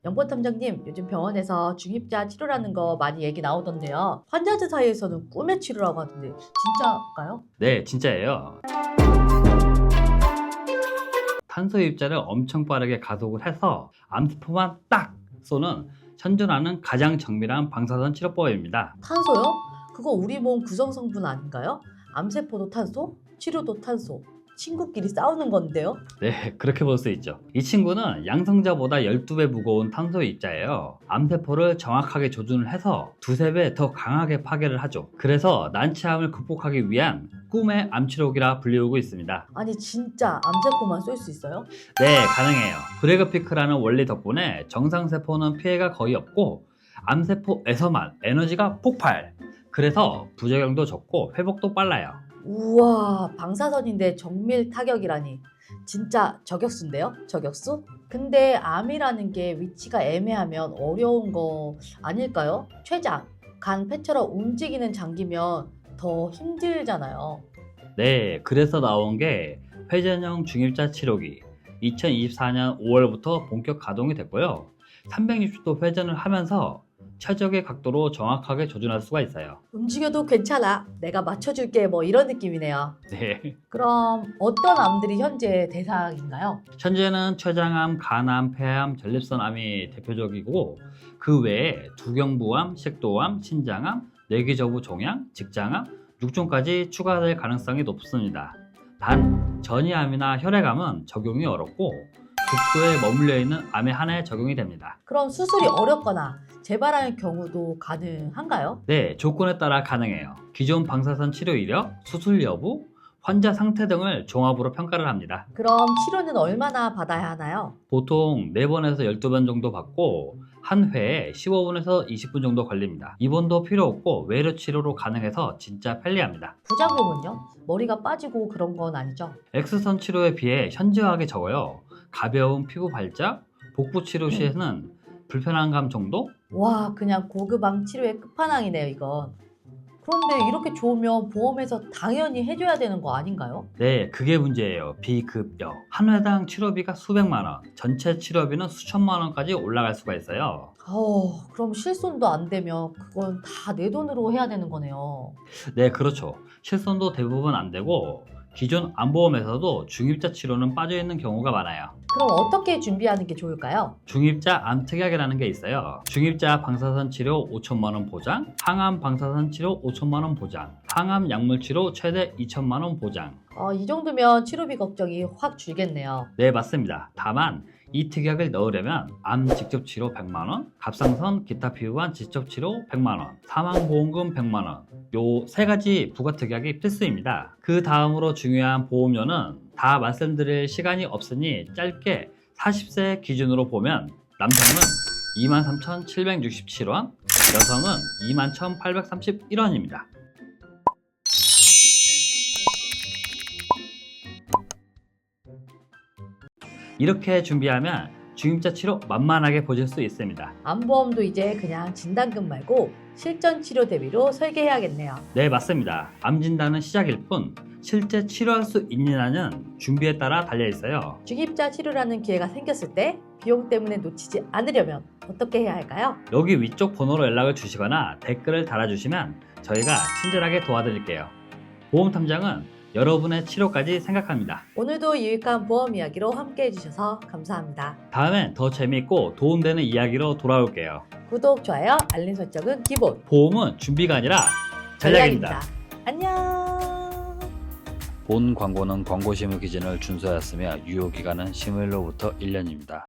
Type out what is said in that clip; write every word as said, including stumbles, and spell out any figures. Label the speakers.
Speaker 1: 연보탐정님, 요즘 병원에서 중입자 치료라는 거 많이 얘기 나오던데요. 환자들 사이에서는 꿈의 치료라고 하던데 진짜일까요?
Speaker 2: 네, 진짜예요. 탄소 입자를 엄청 빠르게 가속을 해서 암세포만 딱 쏘는 현존하는 가장 정밀한 방사선 치료법입니다.
Speaker 1: 탄소요? 그거 우리 몸 구성 성분 아닌가요? 암세포도 탄소, 치료도 탄소. 친구끼리 싸우는 건데요?
Speaker 2: 네, 그렇게 볼 수 있죠. 이 친구는 양성자보다 열두 배 무거운 탄소 입자예요. 암세포를 정확하게 조준을 해서 두세 배 더 강하게 파괴를 하죠. 그래서 난치암을 극복하기 위한 꿈의 암치료기라 불리우고 있습니다.
Speaker 1: 아니 진짜 암세포만 쏠 수 있어요?
Speaker 2: 네, 가능해요. 브래그 피크라는 원리 덕분에 정상세포는 피해가 거의 없고 암세포에서만 에너지가 폭발! 그래서 부작용도 적고 회복도 빨라요.
Speaker 1: 우와, 방사선인데 정밀 타격이라니. 진짜 저격수인데요? 저격수? 근데 암이라는 게 위치가 애매하면 어려운 거 아닐까요? 췌장, 간, 폐처럼 움직이는 장기면 더 힘들잖아요.
Speaker 2: 네, 그래서 나온 게 회전형 중입자 치료기. 이천이십사 년 오월부터 본격 가동이 됐고요. 삼백육십 도 회전을 하면서 최적의 각도로 정확하게 조준할 수가 있어요.
Speaker 1: 움직여도 괜찮아. 내가 맞춰줄게. 뭐 이런 느낌이네요.
Speaker 2: 네.
Speaker 1: 그럼 어떤 암들이 현재 대상인가요?
Speaker 2: 현재는 췌장암, 간암, 폐암, 전립선암이 대표적이고 그 외에 두경부암, 식도암, 신장암, 뇌기저부 종양, 직장암, 육종까지 추가될 가능성이 높습니다. 단 전이암이나 혈액암은 적용이 어렵고 극도에 머물러 있는 암에 한해 적용이 됩니다.
Speaker 1: 그럼 수술이 어렵거나 재발하는 경우도 가능한가요?
Speaker 2: 네, 조건에 따라 가능해요. 기존 방사선 치료 이력, 수술 여부, 환자 상태 등을 종합으로 평가를 합니다.
Speaker 1: 그럼 치료는 얼마나 받아야 하나요?
Speaker 2: 보통 네 번에서 열두 번 정도 받고 한 회에 십오 분에서 이십 분 정도 걸립니다. 입원도 필요 없고 외래 치료로 가능해서 진짜 편리합니다.
Speaker 1: 부작용은요? 머리가 빠지고 그런 건 아니죠?
Speaker 2: X선 치료에 비해 현저하게 적어요. 가벼운 피부 발작, 복부 치료 시에는 불편한 감 정도?
Speaker 1: 와, 그냥 고급암 치료의 끝판왕이네요, 이건. 그런데 이렇게 좋으면 보험에서 당연히 해줘야 되는 거 아닌가요?
Speaker 2: 네, 그게 문제예요. 비급여. 한 회당 치료비가 수백만 원, 전체 치료비는 수천만 원까지 올라갈 수가 있어요.
Speaker 1: 어, 그럼 실손도 안 되면 그건 다 내 돈으로 해야 되는 거네요.
Speaker 2: 네, 그렇죠. 실손도 대부분 안 되고 기존 암보험에서도 중입자 치료는 빠져 있는 경우가 많아요.
Speaker 1: 그럼 어떻게 준비하는 게 좋을까요?
Speaker 2: 중입자 암특약이라는 게 있어요. 중입자 방사선 치료 오천만 원 보장, 항암 방사선 치료 오천만 원 보장, 항암 약물 치료 최대 이천만 원 보장.
Speaker 1: 어, 이 정도면 치료비 걱정이 확 줄겠네요.
Speaker 2: 네, 맞습니다. 다만 이 특약을 넣으려면 암 직접 치료 백만 원, 갑상선 기타 피부암 직접 치료 백만 원, 사망보험금 백만 원. 요 세 가지 부가 특약이 필수입니다. 그 다음으로 중요한 보험료는 다 말씀드릴 시간이 없으니 짧게 사십 세 기준으로 보면 남성은 이만 삼천칠백육십칠 원, 여성은 이만 천팔백삼십일 원입니다. 이렇게 준비하면 중입자 치료 만만하게 보실 수 있습니다.
Speaker 1: 암보험도 이제 그냥 진단금 말고 실전 치료 대비로 설계해야겠네요.
Speaker 2: 네, 맞습니다. 암 진단은 시작일 뿐 실제 치료할 수 있느냐는 준비에 따라 달려 있어요.
Speaker 1: 중입자 치료라는 기회가 생겼을 때 비용 때문에 놓치지 않으려면 어떻게 해야 할까요?
Speaker 2: 여기 위쪽 번호로 연락을 주시거나 댓글을 달아주시면 저희가 친절하게 도와드릴게요. 보험탐정은 여러분의 치료까지 생각합니다.
Speaker 1: 오늘도 유익한 보험 이야기로 함께 해주셔서 감사합니다.
Speaker 2: 다음엔 더 재미있고 도움되는 이야기로 돌아올게요.
Speaker 1: 구독, 좋아요, 알림 설정은 기본.
Speaker 2: 보험은 준비가 아니라 전략입니다.
Speaker 1: 안녕.
Speaker 2: 본 광고는 광고심의 기준을 준수하였으며 유효기간은 심의일로부터 일 년입니다.